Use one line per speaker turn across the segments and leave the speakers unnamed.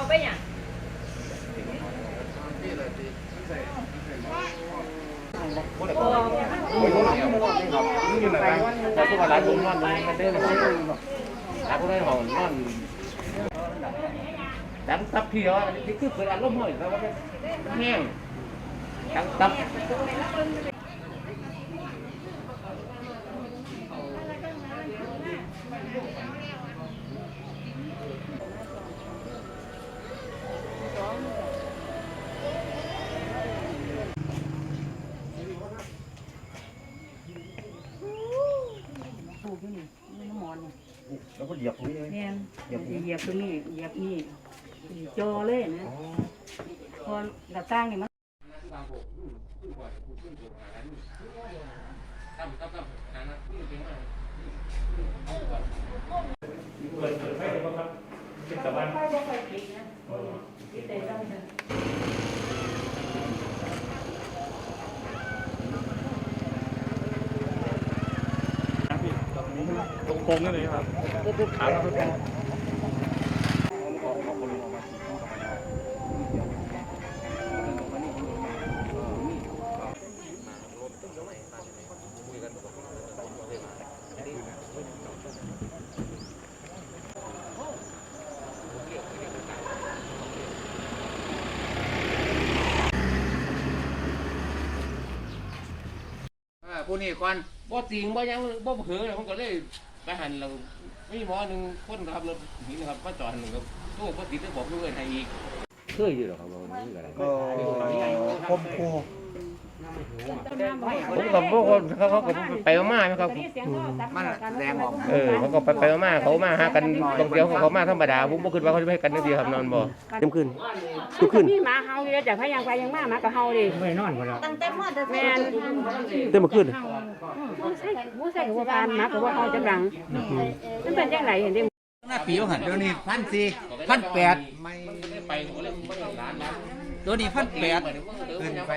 ไปอย่าง
แต่ทุกวันร้านผมนอนมันได้เลยร้านผมได้ห้องนอนดังตับเพียวนี่คือเปิดอารมณ์หน่อยแล้วมันแห้งดังตับแล้วก็เหยียบตรงนี้เลย
เหยียบตรงนี้เหยียบนี่จอเลยนะพอหน้าต่างนี่มัน
เปิดไฟได้ป่ะครับเป็นตะวันโค้งนั่นเลยครับขาเราเป็นผู้นี้ก่อนบ่ติงบ่ยังบ่เผลอผมก็เลยไปหันเราไม่หมอหนึ่งคนขับรถนี่นะครับมาจอดหนึ่งครับตู้ก็ติดได้บอกลูกเงินให้อีกเคยอยู่หรอครับวันนี้อะไรคมคูผมกับพวกคนเขาก็ไปมาไหมครับมันแรงออกเขาก็ไปมาเขามาหากันตรงเดียวเขามาธรรมดาผมบ่คิดว่าเขาจะให้กันนั่นดีครับนอนบ่เต็มขึ้นทุกขึ้น
มีหมาเฮาอยู่จากพยังไปยังมากับเฮาดิ
ไม่นอนก็แล้ว
ตั้งแต่พ่อแม่
เต็มขึ้น
ผู้ใส่หัวพานหมากับว่าเฮาจะดังมันเป็นยังไงเห็นดิ
หน้าปีหันเดี๋ยวนี้1,400 1,800ไม่
ไปร้าน
ตัวนี้1,800ขึ้นไป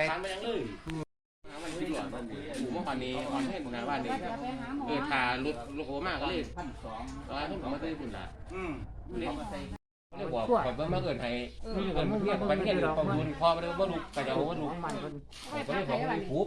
เมื่อวานนี้ออนให้หมู่นาบ้านนี้ทารถโคมากก็เลย1,200แล้วผมมาได้คุณละเรียกว่าแบบว่ามาเกินให้เกินเรียกประเทศหรือของคุณพอมาได้ว่าลูกกระเจ้าว่าลูกก็เลยบอกว่าปุ๊บ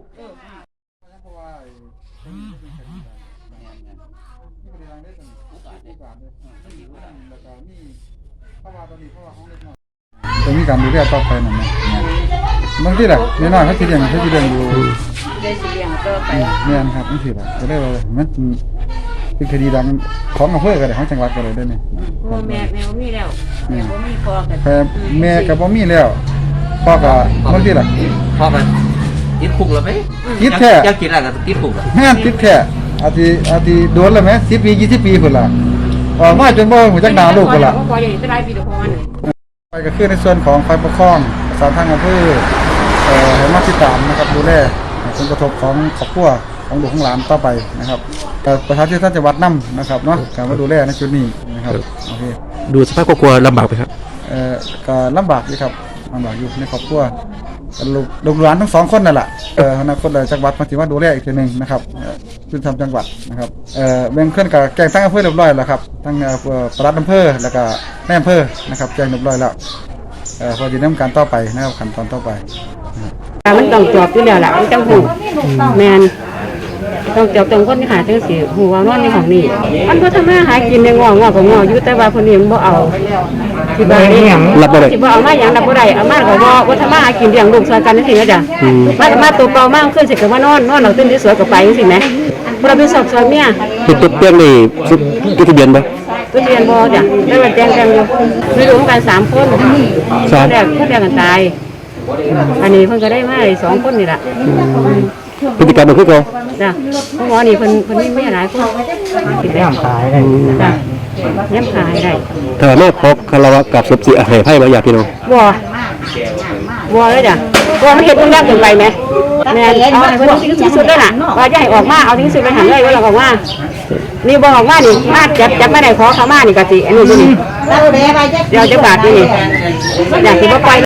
ตรงนี้การดูแลต่อไปนั่นนะบางทีแหละน้อยๆเขาจะเลี้ยงอยู่
ได้สิเลี้ยงต่อไป
เนี่ยครับบางทีแหละจะได้ว่ามันเป็นคดีดังของอำเภอกันเลยของจังหวัดกันเลยได้ไหม
แม่มีแล้วแม่บ่มีพ่อกัน
แต่แม่ก็บ่มีแล้วพ่อก็บางทีแหละ
พ่อกันติดคุกแล้วไหม
ติดแท้
จะกินอะไรก็ติดคุก
แม่ติดแท้อาทิโดนแล้วไหม10 ปี 20 ปีพุ่นล่ะออกมาจนบ่ฮู้จักหน้าลูกพุ่นล่ะ
พออย่างนี้จะได้ปีเดียวพอมัน
ไปก็คือในส่วนของฝ่ายปกครองสารทางอำเภอให้มาติดตามนะครับดูแลผลกระทบของครอบครัวของลูกของหลานต่อไปนะครับประชาชนท่านจังหวัดนำนะครับเนาะการมาดูแลในจุดนี้นะครับโอเค
ดูสภาพครอบครัวลำบากไหมครับ
ก็ลำบากอยู่ครับลำบากอยู่ในครอบครัวลูกหลานทั้ง2คนนั่นแหละอนาคตจังหวัดมาถือว่าดูแลอีกทีนึงนะครับจุดทำจังหวัดนะครับเบื้องต้นกับแจ้งทั้งอำเภอเรียบร้อยแล้วครับทั้งปลัดอำเภอแล้วก็แม่อำเภอนะครับแจ้งเรียบร้อยแล้วพอจะดำเนินการต่อไปนะครับขั้นตอนต่อไป
มันต้องจบอยู่แล้วล่ะมันต้องหูแมนต้องจบตรงคนที่หาจังสิหูว่านอนในของนี่มันบ่ทำมาหากินในงอก็งออยู่แต่ว่าคนนี้มันบ่เอาที่บ้านนี่
รับบ่ได้
สิบ่เอามาหยังรับบ่ได้เอามาก็บ่ทำมาหากินเลี้ยงลูกซอยกันจังซี่นะจ้ะมาตัวเปล่ามากขึ้นสิก็ว่านอนเอาตื่นสวยก็ไปจังซี่แหมบ่ได้ไปสอบสวนเมีย
ติดเตียงนี่จดทะเบียนบ่
จดทะเบียนบ่จ้ะได้ว่าแจ้งกันอยู่มีลูกกัน3คนแรกกันตายอันนี้เพิ่นก็ได้มา2คนนี่ล่ะ
พฤติกรรมมันคือเก่า
จ้ะหมอนี่เพิ่นมีแม่หลายคน
กินแหนมขายได้
จ้ะแหนมขายได้
ถ้าแม่พบคารวะกับศพสิให้ไผบ่อยากพี่น้อง
บ่เลยจ้ะบ่มันเฮ็ดมันยากเกินไปมั้ยแม่เอาให้เพิ่นที่สุดแล้วน่ะว่าจะให้ออกมาเอาที่สุดไปหันเลยว่าเราออกมานี่บ่ออกมานี่มาจับมาได้ขอเขามานี่ก็สิอันนี้อยู่นี่เดี๋ยวจะบาดนี่อยากสิบ่ปล่อย